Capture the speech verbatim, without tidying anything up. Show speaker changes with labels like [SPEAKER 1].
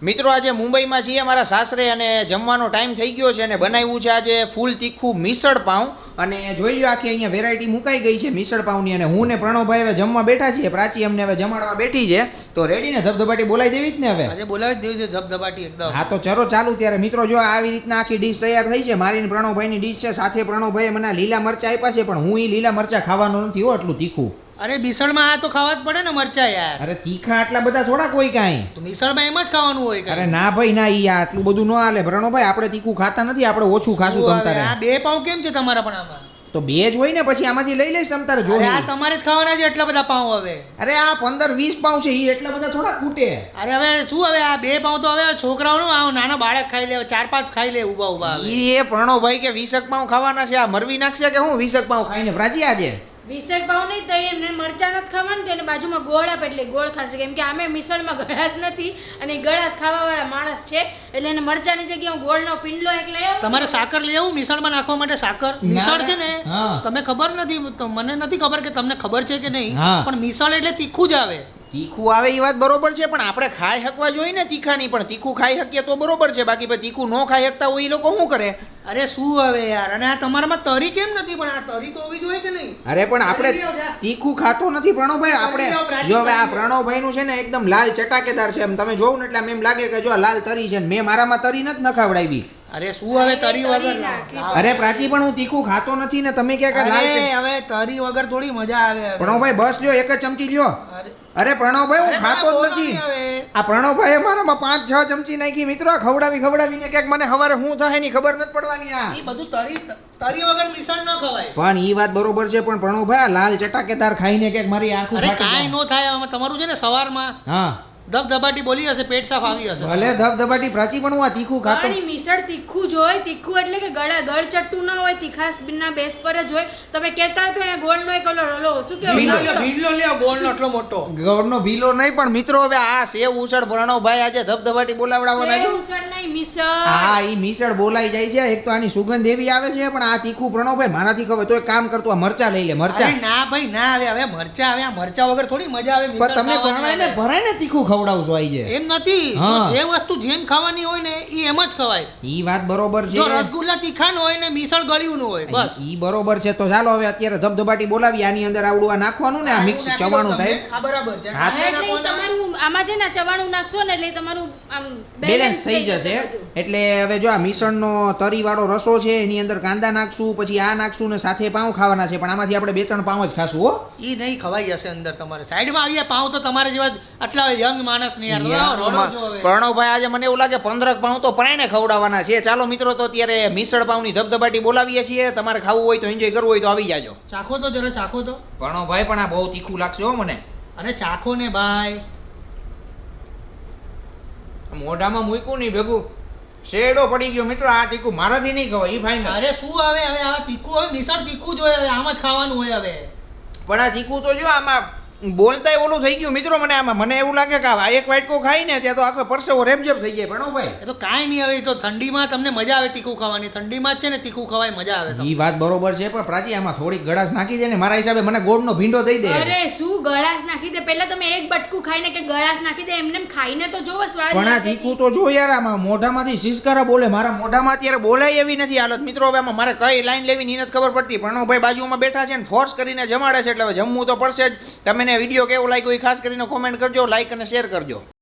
[SPEAKER 1] મિત્રો આજે મુંબઈમાં છીએ અમારા સાસરે અને જમવાનો ટાઈમ થઈ ગયો છે અને બનાવ્યું છે આજે ફૂલ તીખું મિસળ પાઉં અને જોઈ લો આખી અહીંયા વેરાયટી મુકાઈ ગઈ છે મિસળ પાઉંની અને હું ને પ્રણવભાઈ હવે જમવા બેઠા છીએ. પ્રાચી અમને હવે જમાડવા બેઠી છે તો રેડી ને ધબધબાટી બોલાવી દેવી જ ને હવે
[SPEAKER 2] આજે બોલાવી જ દેવી છે ધબધબાટી એકદમ.
[SPEAKER 1] હા તો ચલો ચાલુ ત્યારે મિત્રો જો આવી રીતના આખી ડીશ તૈયાર થઈ છે. મારી ને પ્રણવભાઈની ડીશ છે. સાથે પ્રણવભાઈએ મને લીલા મરચા આપ્યા છે પણ હું એ લીલા મરચા ખાવાનો નથી હો એટલું તીખું.
[SPEAKER 2] અરે મિસળમાં આ તો ખાવા જ પડે ને મરચા યાર.
[SPEAKER 1] અરે તીખા આટલા બધા થોડા કોઈ કાંઈ
[SPEAKER 2] તો મિસળમાં એમ જ ખાવાનું હોય કાંઈ.
[SPEAKER 1] અરે ના ભાઈ ના ઈ આટલું બધું ન હાલે પ્રણવભાઈ. આપણે તીખું ખાતા નથી, આપણે ઓછું ખાશું તમ તારે.
[SPEAKER 2] આ બે પાઉં કેમ છે તમારા પણ આમાં?
[SPEAKER 1] તો બે જ હોય ને પછી આમાંથી લઈ લઈશ તમ તારે. જો
[SPEAKER 2] આ તમારે જ ખાવાના છે એટલા બધા પાઉં હવે.
[SPEAKER 1] અરે આ પંદર વીસ પાઉં છે ઈ એટલા બધા થોડા ખૂટે.
[SPEAKER 2] અરે હવે શું હવે આ બે પાઉં તો હવે છોકરાઓનું આ નાના બાળક ખાઈ લે, ચાર પાંચ ખાઈ લે ઉભા ઉભા.
[SPEAKER 1] ઈ એ પ્રણવભાઈ કે વીસક પાઉં ખાવાના છે, આ મરવી નાખશે કે હું વીસક પાઉં ખાઈને પ્રાચી આજે
[SPEAKER 3] વિસક ભાવ નહીં તો એમને મરચા નથી ખાવાનું તો એને બાજુમાં ગોળ આપે એટલે ગોળ ખાશે કેમ કે આમે મિસળમાં ગળાશ નથી અને ગળાશ ખાવાવાળા માણસ છે એટલે એને મરચાની જગ્યાએ હું ગોળનો પિંડલો એક લઈ આવું.
[SPEAKER 2] તમારે સાકર લઈ આવું મિસળમાં નાખવા માટે? સાકર મિસળ છે ને તમે ખબર નથી, મને નથી ખબર કે તમને ખબર છે કે નહીં, પણ મિસળ એટલે તીખું જ આવે.
[SPEAKER 1] તીખું આવે એ વાત બરોબર છે પણ આપણે ખાઈ શકવા જોઈએ ને તીખા નહીં. પણ તીખું ખાઈ શકીએ તો બરોબર છે, બાકી ભાઈ તીખું ન ખાઈ શકતા હોય એ લોકો શું કરે?
[SPEAKER 2] અરે શું હવે યાર, અને આ તમારામાં તરી કેમ નથી? પણ આ તરી તો હોવી જોઈએ કે નહીં?
[SPEAKER 1] અરે પણ આપણે તીખું ખાતો નથી પ્રણવભાઈ. આપણે જો હવે આ પ્રણવભાઈ નું છે ને એકદમ લાલ ચટાકેદાર છે. એમ તમે જોવું ને એટલે એમ લાગે કે જો લાલ તરી છે. મેં મારામાં તરી નથી નખાવડાવી.
[SPEAKER 2] અરે શું હવે તરી વગર?
[SPEAKER 1] અરે પ્રાચી પણ હું તીખું ખાતો નથી ને તમે ક્યાં લાલ છે?
[SPEAKER 2] હવે તરી વગર થોડી મજા આવે.
[SPEAKER 1] પ્રણવભાઈ બસ લ્યો, એક જ ચમચી લ્યો. અરે પ્રણવભાઈ હું ખાતો જ નથી. આ પ્રણવભાઈ મારામાં પાંચ છ ચમચી નાખી મિત્રો. ખવડાવી ખવડાવીને ક્યાંક મને હવારે શું થાય ની ખબર નથી પડવાની. આ
[SPEAKER 2] એ બધું તરી તરી વગર મિસળ ન ખવાય.
[SPEAKER 1] પણ ઈ વાત બરોબર છે પણ પ્રણવભાઈ આ લાલ ચટાકેદાર ખાઈને ક્યાંક મારી આંખો
[SPEAKER 2] અરે કાંઈ ન થાય. તમારું છે ને સવારમાં
[SPEAKER 1] હા
[SPEAKER 2] ધબધબાટી બોલી હશે, પેટ સાફ આવી હશે.
[SPEAKER 1] ભલે ધબધબાટી પ્રાચી પણ હું આ તીખું ખાતો.
[SPEAKER 3] પાણી મિસળ તીખું જ હોય. તીખું એટલે કે ગળા ગળ ચટ્ટું ના હોય, તીખાસ ના બેસ પર જ હોય. તમે કહેતા હોય તો અહીંયા ગોળનો એક ઓલો ઓલો શું કહેવાય
[SPEAKER 2] ભીલો લ્યો ગોળનો એટલો મોટો.
[SPEAKER 1] ગોળનો ભીલો નહીં પણ મિત્રો હવે આ સેવ ઉસળ પ્રણવભાઈ આજે ધબધબાટી બોલાવડાવવાના છે.
[SPEAKER 3] ઉસળ નહીં મિસળ.
[SPEAKER 1] હા ઈ મિસળ બોલાઈ જાય છે. એક તો આની સુગંધ એવી આવે છે પણ આ તીખું પ્રણવભાઈ મારાથી ખબર તો એક કામ કરતો આ મરચા લઈ લે. મરચા
[SPEAKER 2] ના ભાઈ ના આવે. હવે મરચા આવે, આ મરચા વગર થોડી મજા આવે.
[SPEAKER 1] પણ તમને ભરાય ને ભરાય ને તીખું ખવડાવશો આઈ છે.
[SPEAKER 2] એમ નથી, જો જે વસ્તુ જેમ ખાવાની હોય ને ઈ એમ જ ખવાય.
[SPEAKER 1] ઈ વાત બરોબર છે.
[SPEAKER 2] જો રસગુલ્લા તીખા નો હોય ને મિસળ ગળ્યું નું હોય બસ.
[SPEAKER 1] ઈ બરોબર છે. તો ચાલો હવે અત્યારે ધબધબાટી બોલાવી. આની અંદર આવડું આ નાખવાનું ને આ મિક્સ ચવાણું ટાઈપ.
[SPEAKER 2] આ બરાબર છે.
[SPEAKER 3] એટલે તમારું આમાં છે ને ચવાણું નાખશો ને એટલે તમારું આમ
[SPEAKER 1] બેલેન્સ થઈ જશે. એટલે હવે જો આ મિસળનો તરી વાળો રસો છે એની અંદર કાંદા નાખશું, પછી આ નાખશું ને સાથે પાઉં ખાવાના છે. પણ આમાંથી આપણે બે ત્રણ પાઉં જ ખાશું હો.
[SPEAKER 2] ઈ નહીં ખવાઈ જશે અંદર તમારે. સાઈડમાં આવીએ પાઉં તો તમારે જેવા આટલા યંગ માણસ ને યાર.
[SPEAKER 1] પ્રણવભાઈ આજે મને એવું લાગે પંદરક પાઉં તો પ્રાણે ખવડાવવાના છે. ચાલો મિત્રો તો અત્યારે મિસળ પાઉંની ધબધબાટી બોલાવીએ છીએ. તમારે ખાવું હોય તો એન્જોય કરવું હોય તો આવી જાજો.
[SPEAKER 2] ચાખો તો જરા ચાખો તો.
[SPEAKER 1] પ્રણવભાઈ પણ આ બહુ તીખું લાગશે હો મને.
[SPEAKER 2] અરે ચાખો ને ભાઈ.
[SPEAKER 1] મોઢામાં મૂક્યું નહીં ભેગું શેડો પડી ગયો મિત્રો. આ તીખું મારાથી નહીં ખવાય ઈ ફાઈનલ.
[SPEAKER 2] અરે શું હવે હવે આ તીખું હવે મિસળ તીખું જ હોય. હવે આમ જ ખાવાનું હોય હવે.
[SPEAKER 1] પણ આ તીખું તો જો આમાં બોલતાય ઓલું થઈ ગયું મિત્રો. મને આમાં મને એવું લાગે કે આ એક વાટકો ખાઈ ને ત્યાં તો આખો પરસેવો રેબજેબ થઈ જાય. પ્રણવભાઈ
[SPEAKER 2] એ તો કાંઈ નહીં. હવે તો ઠંડીમાં તમને મજા આવે તીખું ખાવાની. ઠંડીમાં જ છે ને તીખું ખવાય મજા આવે.
[SPEAKER 1] ઈ વાત બરોબર છે પણ પ્રાચી આમાં થોડીક ગળાશ નાખી દે ને મારા હિસાબે મને ગોળનો ભીંડો દઈ દે.
[SPEAKER 3] અરે શું ગળાશ નાખી દે? પહેલા તમે એક બટકું ખાઈને કે ગળાશ નાખી દે એમને ખાઈને તો જોવો સ્વાદ.
[SPEAKER 1] પણ આ તીખું તો જો યાર આમાં મોઢામાંથી સિસકારા બોલે. મારા મોઢામાં અત્યારે બોલાય એવી નથી હાલત મિત્રો. હવે આમાં મારે કઈ લાઈન લેવી ની નથી ખબર પડતી. પ્રણવભાઈ બાજુમાં બેઠા છે ને ફોર્સ કરીને જમાડે છે એટલે હવે જમવું તો પડશે જ. તમને વિડીયો કેવો લાગ્યો એ ખાસ કરીને કોમેન્ટ કરજો, લાઈક અને શેર કરજો.